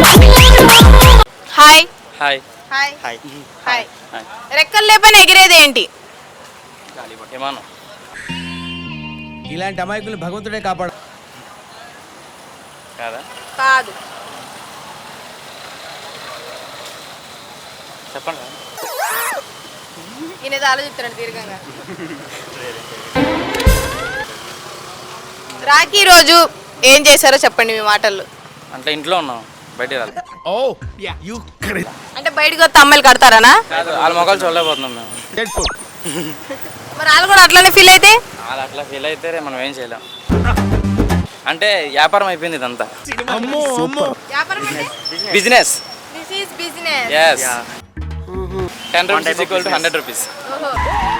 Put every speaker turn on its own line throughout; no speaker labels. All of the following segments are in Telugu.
Hi
hi
hi
hi
hi రెక్కలు లేపని ఎగిరేది ఏంటి?
విమానం.
ఇలాంటి అమాయకులు భగవంతుడే కాపాడు.
కాదా?
కాదు.
చెప్పండి.
ఈయన ఆలోచిస్తున్నాడు దీర్ఘంగా. రాఖీ రోజు ఏం చేశారో చెప్పండి మీ మాటల్లో.
అంటే ఇంట్లో ఉన్నాం, బయటికి రాలేదు.
అంటే బయటకు వస్తే అమ్మాయిలు కడతారనా?
కాదు, వాళ్ళ మొక్కలు చూడలేకపోతున్నాం మేము.
మరి వాళ్ళు కూడా అట్లనే ఫీల్ అయితే?
వాళ్ళు అట్లా ఫీల్ అయితే మనం ఏం చేయలేం. అంటే వ్యాపారం అయిపోయింది ఇదంతా.
వ్యాపారం అంటే
business.
This is business.
yes 10 rupees equal to 100 rupees.
ఓహో.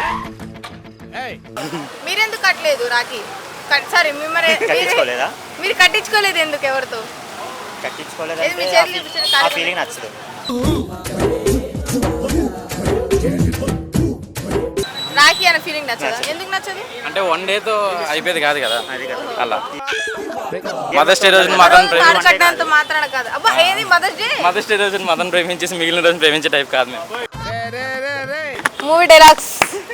మీరెందుకు కట్టలేదు రాఖీ? సారీ
కట్టించుకోలేదా?
మీరు కట్టించుకోలేదు ఎందుకు? ఎవరితో ఏది మీ చేతులు చూపించండి.
ఆ ఫీలింగ్ నచ్చదు.
రాఖీ అనే ఫీలింగ్ నచ్చదా? ఎందుకు నచ్చదు?
అంటే వన్ డేతో అయిపోయేది కాదు కదా,
అది కాదు.
అలా. మదర్స్ డే రోజున మదన్
తాడు కట్టినంత మాత్రాన కాదు. అబ్బా ఏది మదర్స్ డే?
మదర్స్ డే రోజున మదన్ ప్రేమించేసి మిగిలిన రోజున ప్రేమించే టైప్ కాదు మేము.
Movie dialogues.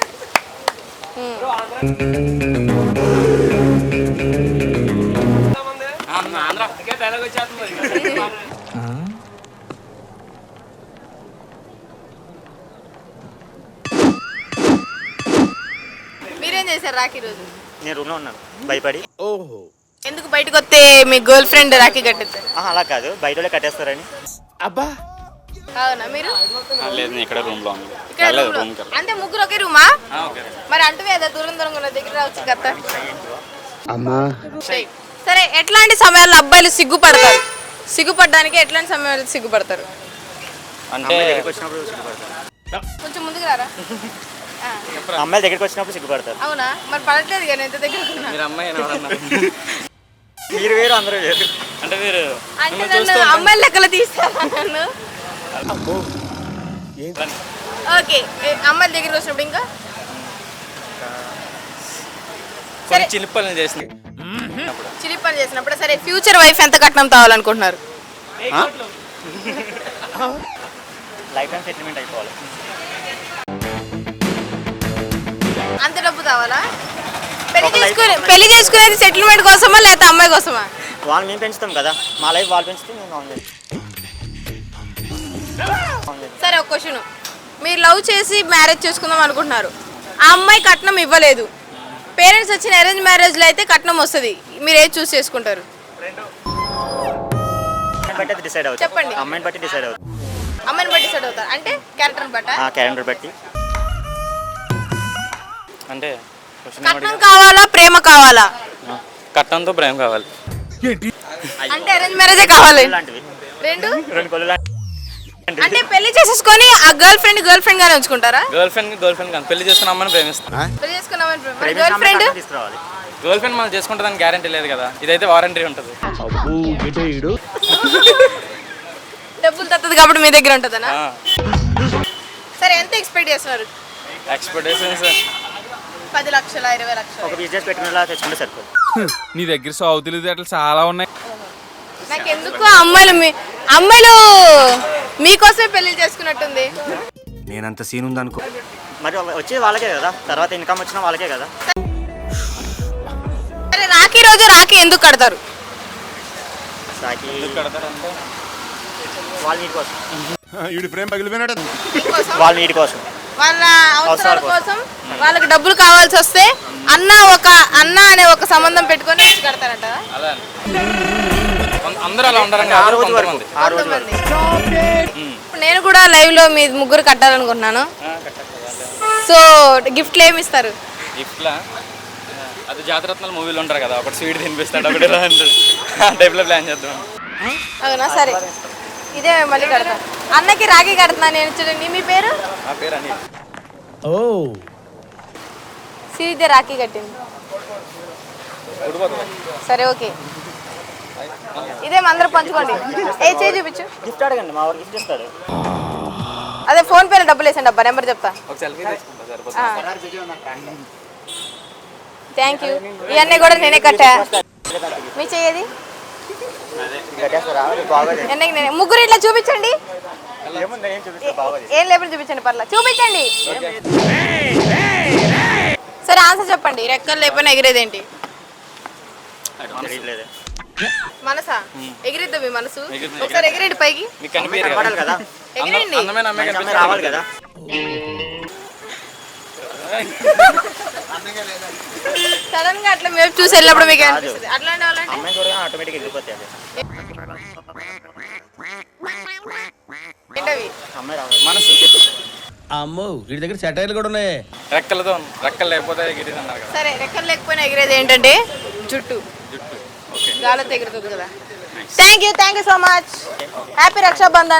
మీరేం చేశారు రాఖీ రోజు?
నేను రూమ్లో ఉన్నాను భయపడి.
ఎందుకు బయటకు వస్తే మీ గర్ల్ ఫ్రెండ్ రాఖీ కట్టేస్తారు?
అలా కాదు, బయట వాళ్ళే కట్టేస్తారని.
అబ్బా
అవునా? మీరు
లేదు, నేను ఇక్కడ రూమ్ లో ఉన్నాను.
ఇక్కడ room లో? అంటే ముగ్గురు ఒకే రూమా? మరి అంటువే కదా దూరం దూరంగా ఉన్న దగ్గర రావచ్చు కదా. సరే, ఎట్లాంటి సమయాల్లో అబ్బాయిలు సిగ్గుపడతారు? సిగ్గుపడడానికి ఎట్లాంటి సమయాల్లో సిగ్గుపడతారు?
అంటే
దగ్గరికి వచ్చినప్పుడు సిగ్గుపడతారు.
కొంచెం ముందుకు రారా.
అమ్మాయిల దగ్గరికి వచ్చినప్పుడు సిగ్గుపడతారు.
అవునా? మరి పడట్లేదు కానీ ఎంత దగ్గర ఉన్నా.
మీరు అమ్మాయి ఎవరన్నా
మీరు వేరు, అందరూ వేరు.
అంటే మీరు
అంటే నన్ను అమ్మాయిల లెక్కలు తీస్తారా నన్ను? ఓకే, అమ్మాయిల దగ్గరికి వచ్చినప్పుడు ఇంకా
కొన్ని చిలిపల్ని చేసింది.
చిలి పని చేసినప్పుడు. సరే, ఫ్యూచర్ వైఫ్ ఎంత కట్నం తావాలనుకుంటున్నారు?
లైఫ్ టైం సెటిల్మెంట్ అయిపోవాలి.
అంత డబ్బు కావాలా? పెళ్లి చేసుకునేది సెటిల్మెంట్ కోసమా లేకపోతే అమ్మాయి కోసమా?
వాళ్ళు మేము పెంచుతాం కదా, మా లైఫ్ వాళ్ళు పెంచితే మేము నాన్ వెజ్.
సరే, ఒక క్వశ్చన్. మీరు లవ్ చేసి మ్యారేజ్ చేసుకుందాం అనుకుంటున్నారు, ఆ అమ్మాయి కట్నం ఇవ్వలేదు. పేరెంట్స్ వచ్చిన అరేంజ్ మ్యారేజ్లో అయితే కట్నం వస్తుంది. మీరు ఏది చూస్ చేసుకుంటారు?
బట్టి డిసైడ్ అవుతుంది.
చెప్పండి.
అమ్మాయిని బట్టి డిసైడ్ అవుతుంది.
అమ్మాయిని బట్టి డిసైడ్ అవుతారు అంటే క్యారెక్టర్ బట్ట?
క్యాలెండర్ బట్టి.
అంటే
కట్నం కావాలా ప్రేమ కావాలా?
కట్నంతో ప్రేమ కావాలి.
అంటే అరేంజ్ మ్యారేజే కావాలి.
లాంటివి
రెండు
కొలు లాంటివి.
అంటే పెళ్లి చేసేసుకొని ఆ గర్ల్ ఫ్రెండ్ గానే ఉంచుకుంటారా?
గర్ల్ ఫ్రెండ్ కానీ పెళ్లి చేసుకున్న అమ్మని ప్రేమిస్తాం.
పెళ్లి చేసుకున్నామని గర్ల్ ఫ్రెండ్
తీసుకురావాలి.
గర్ల్ ఫ్రెండ్ మనం చేసుకుంటుందని గ్యారంటీ లేదు కదా, ఇదైతే వారంటీ ఉంటుంది.
డబ్బులు తత్తది కాబట్టి మీ దగ్గర ఉంటుందనా? సరే, ఎంత ఎక్స్పెక్ట్ చేస్తున్నారు?
ఎక్స్పెక్టేషన్స్
10 లక్షల 20 లక్షలు?
ఒక బిజినెస్ పెట్టుకునేలా తెచ్చుకుంటే సరిపోతుంది.
నీ దగ్గర సాగు తెలివితేటలు చాలా ఉన్నాయి.
నాకు ఎందుకు అమ్మాయిలు మీకోసమే పెళ్లి చేసుకున్నట్టుంది.
నేనంత సీన్ ఉందనుకో.
మరి వచ్చేది వాళ్ళకే కదా, తర్వాత ఇన్కమ్ వచ్చినా వాళ్ళకే కదా.
సరే, రాఖీ రోజు రాఖీ ఎందుకు కడతారు?
సాకి వాళ్ళ నీటి కోసం.
మీకోసం?
వాళ్ళ నీటి కోసం,
వాళ్ళ అవసరాల కోసం. వాళ్ళకి డబ్బులు కావాల్సి వస్తే అన్న అనే ఒక సంబంధం పెట్టుకొని వచ్చి కడతారంట.
అలా అందరూ అలా ఉండరు.
ఆ రోజు వరకు.
ఇప్పుడు నేను కూడా లైవ్ లో మీ ముగ్గురు కట్టాలనుకుంటున్నాను. సో గిఫ్ట్లు ఏమి ఇస్తారు?
గిఫ్ట్లా అది జాతరత్నాల మూవీలో ఉంటారు కదా, ఒకటి స్వీట్ తినిపిస్తాడు, ఒకటి ఇలా అంటాడు. ఆ టైప్లో ప్లాన్ చేద్దాం.
అవునా? సరే, ఇదే మళ్ళీ కడతా. అన్నకి రాఖీ కడుతున్నాను నేను. చూడండి, మీ పేరు?
ఆ పేరు అని
సిరిదే రాఖీ కట్టింది. సరే, ఓకే. ఇదే అందరూ పంచుకోండి. ఏ చేయి చూపించు.
గిఫ్ట్ అడగండి, మా వాడు గిఫ్ట్ ఇస్తాడు.
అదే ఫోన్ పేలో డబ్బులు వేసండి. అబ్బా నెంబర్ చెప్తా.
ఒక సెల్ఫీ తీసుకుంటా సరిపోతుంది.
Thank you. ఇవన్నీ కూడా నేనే కట్టా. మీ చెయ్యేది?
కట్టేస్తారా బాగోదు.
ముగ్గురు ఇట్లా చూపించండి.
ఏముంది ఏం చూపిస్తే బాగోదు.
ఏం లేకుండా చూపించండి, పర్లా చూపించండి. సరే ఆన్సర్ చెప్పండి. రెక్కలు లేకపోయినా ఎగిరేదేంటి?
తెలియట్లేదు.
మనసా? ఎగిరిద్దా మీ మనసు?
ఎగిరిద్ది.
ఒకసారి ఎగిరేండి పైకి.
మీకు కనిపించదు
కనపడాలి కదా,
ఎగిరేండి.
అందమైన అమ్మాయి
మంచి అమ్మాయి
కనిపిస్తుంది.
రావాలి కదా.
సడన్ గా అట్లా మేము చూసి వెళ్ళినప్పుడు మీకు అనిపిస్తుంది. అట్లాంటి వాళ్ళంటే
అమ్మాయి చూడగానే ఆటోమేటిక్ వెళ్ళిపోతాయి. అది
ఏంటవి?
అమ్మాయి రావాలి.
మనసు
అమ్మో వీడి దగ్గర సెటైర్లు కూడా ఉన్నాయి.
రెక్కలతో రెక్కలు లేకపోతే ఎగిరిది అన్నారు కదా.
సరే రెక్కలు లేకపోయినా ఎగిరేది ఏంటంటే జుట్టు.
జుట్టు. ఓకే.
గాలితో ఎగురుతుంది కదా. Thank you so much. Happy Rakshabandhan.